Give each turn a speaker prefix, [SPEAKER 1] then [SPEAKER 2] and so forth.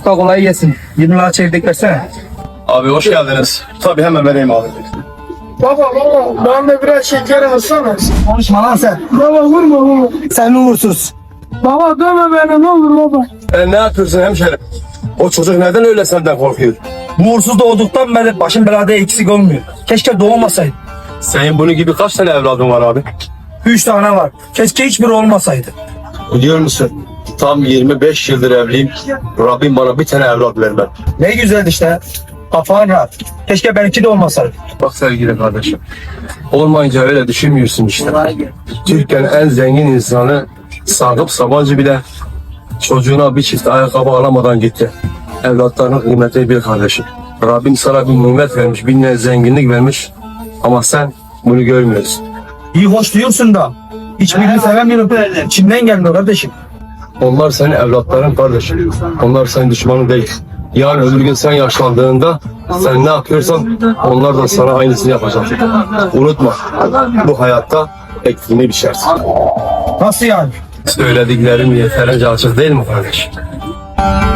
[SPEAKER 1] Usta kolay gelsin. 20 lira çevirdik versene.
[SPEAKER 2] Abi hoş geldiniz. Tabii hemen vereyim abi.
[SPEAKER 3] Baba bana da biraz şeker alsana.
[SPEAKER 1] Konuşma lan sen.
[SPEAKER 3] Baba vurma baba.
[SPEAKER 1] Sen uğursuz.
[SPEAKER 3] Baba dövme beni ne olur baba.
[SPEAKER 2] Ne yapıyorsun hemşerim? O çocuk neden öyle senden korkuyor?
[SPEAKER 1] Bu uğursuz doğduktan beri başım belada eksik olmuyor. Keşke doğmasaydı.
[SPEAKER 2] Senin bunun gibi kaç tane evladın var abi?
[SPEAKER 1] 3 tane var. Keşke hiçbiri olmasaydı.
[SPEAKER 2] Biliyor musun? Tam 25 yıldır evliyim. Rabbim bana bir tane evlat vermedi.
[SPEAKER 1] Ne güzel işte. Kafan rahat. Keşke benimki de olmasaydı.
[SPEAKER 2] Bak sevgili kardeşim. Olmayınca öyle düşünmüyorsun işte. Türkiye'nin en zengin insanı Sakıp Sabancı bile çocuğuna bir çift ayakkabı alamadan gitti. Evlatlarının kıymetini bil kardeşim. Rabbim sana bir nimet vermiş, bir zenginlik vermiş. Ama sen bunu görmüyorsun.
[SPEAKER 1] İyi hoş diyorsun da. Hiçbirini sevemiyorum. İçimden gelmiyor kardeşim.
[SPEAKER 2] Onlar senin evlatların kardeşim. Onlar senin düşmanın değil. Yarın öbür gün sen yaşlandığında sen ne yapıyorsan onlar da sana aynısını yapacak. Unutma, bu hayatta ektiğini biçersin.
[SPEAKER 1] Nasıl yani?
[SPEAKER 2] Söylediklerim yeterince açık değil mi kardeşim?